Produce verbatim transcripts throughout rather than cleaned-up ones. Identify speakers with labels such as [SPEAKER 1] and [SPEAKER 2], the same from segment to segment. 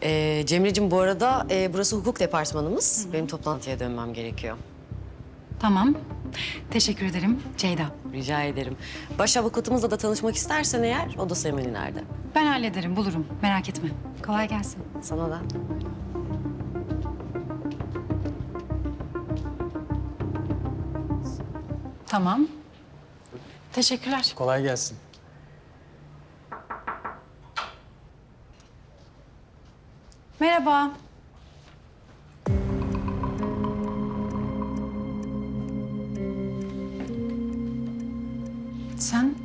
[SPEAKER 1] Ee, Cemre'cim bu arada e, burası hukuk departmanımız. Benim toplantıya dönmem gerekiyor.
[SPEAKER 2] Tamam. Teşekkür ederim Ceyda.
[SPEAKER 1] Rica ederim. Baş avukatımızla da tanışmak istersen eğer, odası hemen ileride.
[SPEAKER 2] Ben hallederim, bulurum. Merak etme. Kolay gelsin.
[SPEAKER 1] Sana da.
[SPEAKER 2] Tamam. Teşekkürler.
[SPEAKER 3] Kolay gelsin.
[SPEAKER 2] Merhaba. Sen?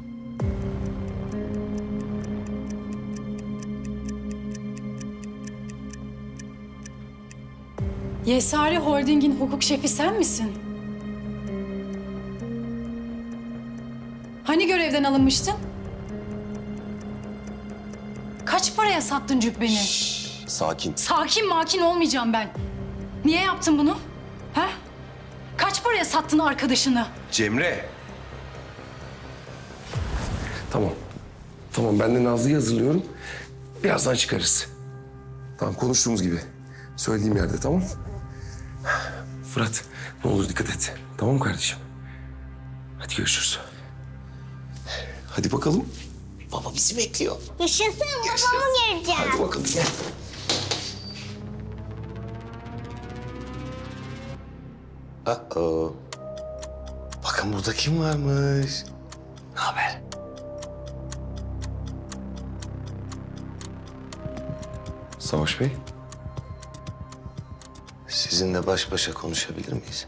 [SPEAKER 2] Yesari Holding'in hukuk şefi sen misin? Hani görevden alınmıştın? Kaç paraya sattın cübbeni?
[SPEAKER 4] Sakin.
[SPEAKER 2] Sakin makin olmayacağım ben. Niye yaptın bunu? Ha? Kaç paraya sattın arkadaşını?
[SPEAKER 4] Cemre. Tamam. Tamam, ben de Nazlı'yı hazırlıyorum. Birazdan çıkarız. Tamam, konuştuğumuz gibi. Söylediğim yerde, tamam. Fırat, ne olur dikkat et. Tamam mı kardeşim? Hadi görüşürüz. Hadi bakalım. Baba bizi bekliyor.
[SPEAKER 5] Yaşasın, babamı göreceğim.
[SPEAKER 4] Hadi bakalım gel. Aa, bakın burada kim varmış? Ne haber? Savaş Bey. Sizinle baş başa konuşabilir miyiz?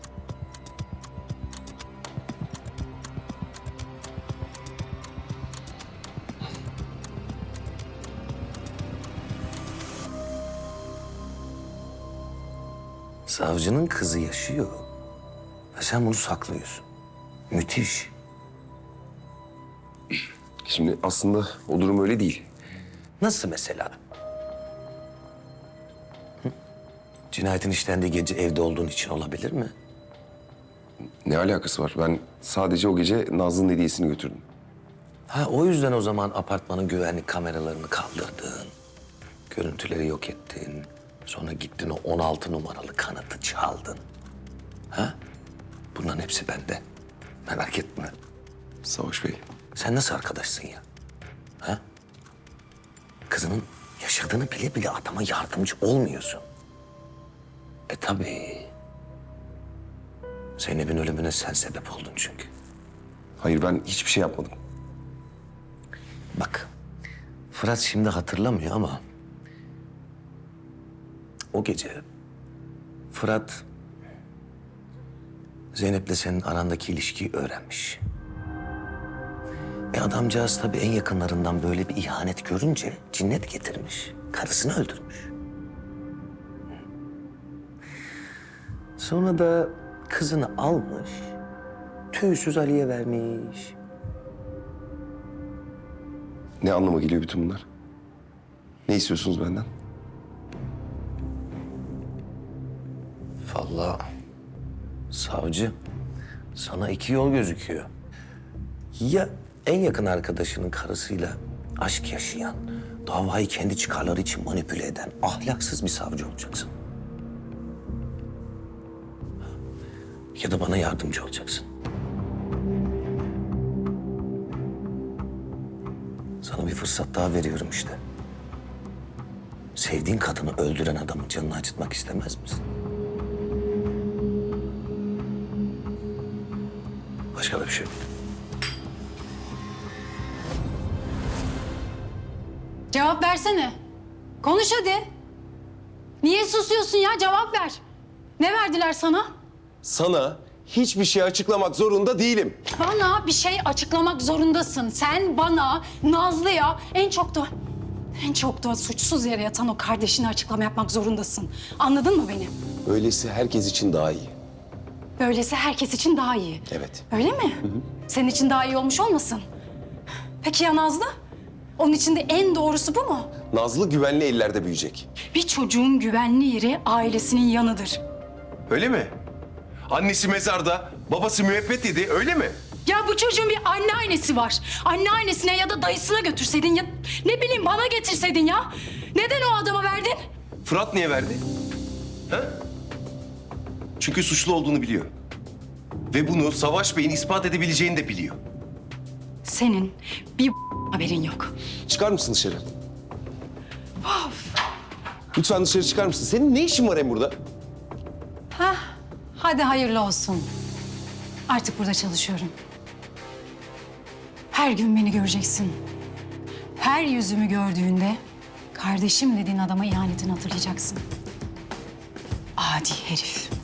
[SPEAKER 4] Savcının kızı yaşıyor. Ve sen bunu saklıyorsun. Müthiş. Şimdi aslında o durum öyle değil. Nasıl mesela? Hı? Cinayetin işlendiği gece evde olduğun için olabilir mi? Ne alakası var? Ben sadece o gece Nazlı'nın hediyesini götürdüm. Ha, o yüzden o zaman apartmanın güvenlik kameralarını kaldırdın. Görüntüleri yok ettin. Sonra gittin o on altı numaralı kanıtı çaldın. Ha? Bunların hepsi bende. Merak etme. Savaş Bey. Sen nasıl arkadaşsın ya? Ha? Kızının yaşadığını bile bile adama yardımcı olmuyorsun. E tabii. Zeynep'in ölümüne sen sebep oldun çünkü. Hayır, ben hiçbir şey yapmadım. Bak, Fırat şimdi hatırlamıyor ama... o gece Fırat Zeynep'le senin arandaki ilişkiyi öğrenmiş. E adamcağız tabii en yakınlarından böyle bir ihanet görünce cinnet getirmiş. Karısını öldürmüş. Sonra da kızını almış, tüysüz Ali'ye vermiş. Ne anlama geliyor bütün bunlar? Ne istiyorsunuz benden? Vallahi savcı, sana iki yol gözüküyor. Ya en yakın arkadaşının karısıyla aşk yaşayan, davayı kendi çıkarları için manipüle eden ahlaksız bir savcı olacaksın. Ya da bana yardımcı olacaksın. Sana bir fırsat daha veriyorum işte. Sevdiğin kadını öldüren adamın canını acıtmak istemez misin? Başka da bir şey yok.
[SPEAKER 2] Cevap versene. Konuş hadi. Niye susuyorsun ya? Cevap ver. Ne verdiler sana?
[SPEAKER 4] Sana hiçbir şey açıklamak zorunda değilim.
[SPEAKER 2] Bana bir şey açıklamak zorundasın. Sen bana, Nazlı'ya en çok da... en çok da suçsuz yere yatan o kardeşine açıklama yapmak zorundasın. Anladın mı beni?
[SPEAKER 4] Öylesi herkes için daha iyi.
[SPEAKER 2] Böylesi herkes için daha iyi.
[SPEAKER 4] Evet.
[SPEAKER 2] Öyle mi? Hı hı. Senin için daha iyi olmuş olmasın? Peki ya Nazlı? Onun için de en doğrusu bu mu?
[SPEAKER 4] Nazlı güvenli ellerde büyüyecek.
[SPEAKER 2] Bir çocuğun güvenli yeri ailesinin yanıdır.
[SPEAKER 4] Öyle mi? Annesi mezarda, babası müebbet yedi, öyle mi?
[SPEAKER 2] Ya bu çocuğun bir anneannesi var. Anneannesine ya da dayısına götürseydin ya... ne bileyim bana getirseydin ya. Neden o adama verdin?
[SPEAKER 3] Fırat niye verdi? Ha? Çünkü suçlu olduğunu biliyor. Ve bunu Savaş Bey'in ispat edebileceğini de biliyor.
[SPEAKER 2] Senin bir haberin yok.
[SPEAKER 3] Çıkar mısın dışarı? Lütfen dışarı çıkar mısın? Senin ne işin var hem burada?
[SPEAKER 2] Hah, hadi hayırlı olsun. Artık burada çalışıyorum. Her gün beni göreceksin. Her yüzümü gördüğünde kardeşim dediğin adama ihanetini hatırlayacaksın. Adi herif.